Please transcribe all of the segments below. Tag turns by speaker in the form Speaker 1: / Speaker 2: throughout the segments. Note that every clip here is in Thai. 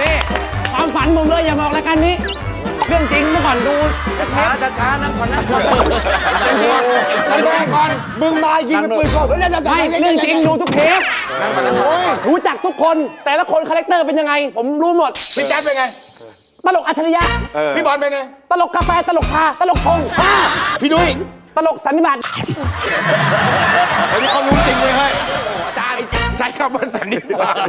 Speaker 1: นี่ความฝันผมเลยอย่ามาออกรายการนี้เรื่องจริงเมื่อก่อนดู
Speaker 2: ช้านั่งก่อนนั่งก่อนก่อน
Speaker 3: มึงมายิงเป็นปืนก่อนไม่
Speaker 1: เรื่องจริงดูทุกเทปรู้จักทุกคนแต่ละคนคาแรคเตอร์เป็นยังไงผมรู้หมด
Speaker 2: พี่แจ๊ดเป็นไง
Speaker 1: ตลกอัจฉริยะ
Speaker 2: พี่บอลเป็นไง
Speaker 1: ตลกกาแฟตลกชาตลกพง
Speaker 2: พี่นุ้ย
Speaker 1: ตลกสันนิบาต
Speaker 2: อันนี้เขารู้จริงเลยเฮ้ยอาจารย์ใช้คำว่าสันนิบาต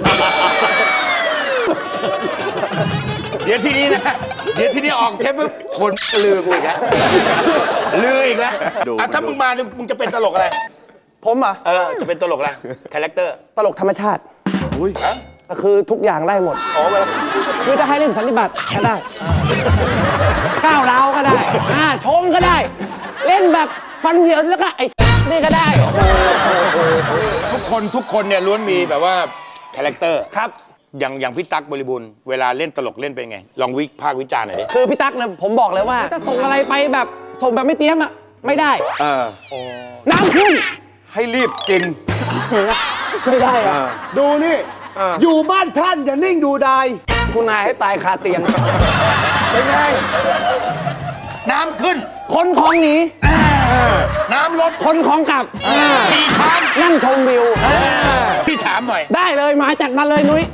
Speaker 2: เดี๋ยวที่นี้ออกเทปปุ๊บคนลือกูอีกแล้วลืออีกแล้วถ้ามึงมามึงจะเป็นตลกอะไร
Speaker 1: ผมอ่ะ
Speaker 2: จะเป็นตลกอะไรคาแรคเตอร์
Speaker 1: ตลกธรรมชาติก็คือทุกอย่างได้หมดคือจะให้เล่นสันนิบาตก็ได้ก้าวร้าวก็ได้ชมก็ได้เล่นแบบฟันเหยินแล้วก็ไอ้นี่ก็ได้
Speaker 2: ทุกคนเนี่ยล้วนมีแบบว่าคาแรคเตอร์
Speaker 1: ครับ
Speaker 2: อย่างพี่ตั๊กบริบูรณ์เวลาเล่นตลกเล่นเป็นไงลองวิพากษ์วิจารณ์หน่อยดิ
Speaker 1: คือพี่ตั๊กเนี่ยผมบอกเลยว่าถ้าส่งอะไรไปแบบส่งแบบไม่เตรียมอ่ะไม่ได้น้ำขึ้น
Speaker 3: ให้รีบกิน
Speaker 1: ไม่ได้
Speaker 3: ดูนี่อยู่บ้านท่านอย่านิ่งดูดาย
Speaker 1: คุณนายให้ตายคาเตียง
Speaker 3: เป็นไง
Speaker 2: น้ำขึ้น
Speaker 1: คนของหนี
Speaker 2: น้ำลด
Speaker 1: คนของกลับ
Speaker 2: ขี่ช้าง
Speaker 1: นั่งชมวิว
Speaker 2: พี่ถามหน่อย
Speaker 1: ได้เลยมาจัดมาเลยนุ้ย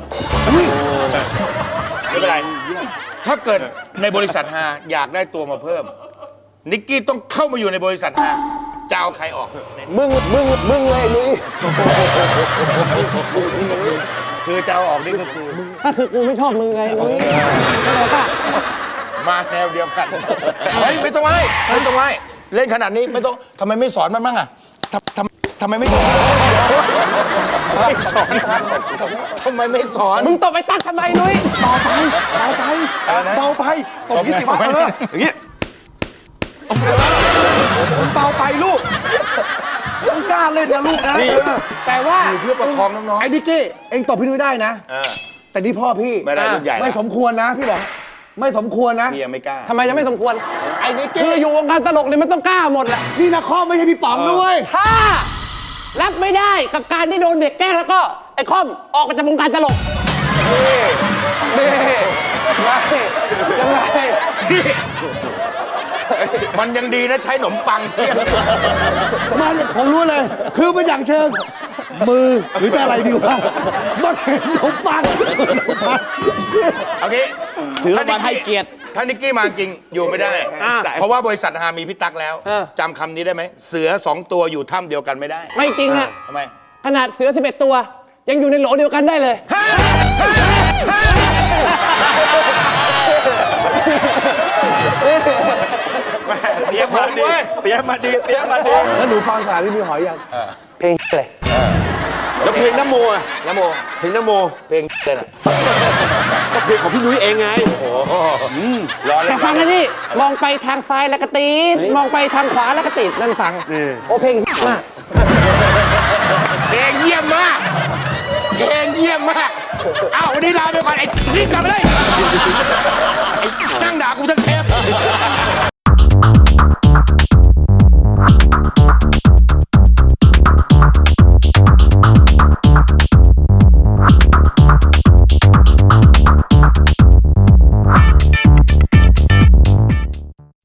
Speaker 2: ไม่เป็นไรถ้าเกิดในบริษัทฮาอยากได้ตัวมาเพิ่มนิกกี้ต้องเข้ามาอยู่ในบริษัทฮาจะเอาใครออก
Speaker 1: มึงเลยนุ้ย
Speaker 2: คือจะเอาออกนี่ก็คือ
Speaker 1: กูไม่ชอบมึงไงนุ้ยเข้าใจป่ะ
Speaker 2: มาแนวเดียวกันเฮ้ยไม่ต้องไว้เล่นขนาดนี้ไม่ต้องทำไมไม่สอนมันบ้างอ่ะทำไมไม่สอนทำไมไม่สอน
Speaker 1: มึงตบไปตักทำไมนุ้ย
Speaker 3: เบาไปตบยี่สิบวันอย่างงี้เบาไปลูกมึงกล้าเล่นนะลูกนะ
Speaker 1: แต่ว่า
Speaker 2: เพื่อประคองน้องๆ
Speaker 3: ไอ้ดิกกี้เอ็งตบพี่นุ้ยได้นะแต่นี่พ่อพี่
Speaker 2: ไม่ได้รุ่นใหญ่
Speaker 3: ไม่สมควรนะพี่บอกไม่สมควรนะ
Speaker 2: พี่ยังไม่กล้า
Speaker 1: ทำไมจะไม่สมควรไอ้นี่คืออยู่วงการตลกเนี่ยมันต้องกล้าหมดแหละ
Speaker 3: นี่นะข้อไม่ใช่พี่ป๋องนะเว้ย
Speaker 1: ถ้ารับไม่ได้กับการที่โดนเด็กแกล้งแล้วก็ไอ้ค่อมออกจากวงการตลก
Speaker 2: ยังไงมันยังดีนะใช้ขนมปังเสี้ยง
Speaker 3: มันผมรู้เลยคือมันอย่างเชิงมือหรือจะอะไรดีวะมันเห็นขนมปัง
Speaker 2: โอเค
Speaker 1: ถือว่าให้เกียรติ
Speaker 2: ถ้านิกกี้มาจริงอยู่ไม่ได้เพราะว่าบริษัทฮามีพี่ตั๊กแล้วจำคำนี้ได้ไหมเสือ2 ตัวอยู่ถ้ำเดียวกันไม่ได้
Speaker 1: ไม่จริงอะ
Speaker 2: ทำไม
Speaker 1: ขนาดเสือ11 ตัวยังอยู่ในโหลเดียวกันได้เลย
Speaker 2: เตรียมมาดี
Speaker 3: แล้วหนูฟังสารที่มีหอยยัง
Speaker 1: เพลงเลย
Speaker 3: แล้วเพลงน้ำโมเพลงน้ำโม
Speaker 2: เพลงเลยน่ะ
Speaker 3: ก็เพลงของพี่นุ้ยเองไง
Speaker 2: โอ้โหรอเลย
Speaker 1: แต่ฟังนะนี่มองไปทางซ้ายแล้วก็ตีดมองไปทางขวาแล้วก็ตีดนั่นฟังโอเพลงมาก
Speaker 2: เพลงเยี่ยมมากเอ้าวันนี้ลาไปก่อนไอ้นี่กลับไปเลย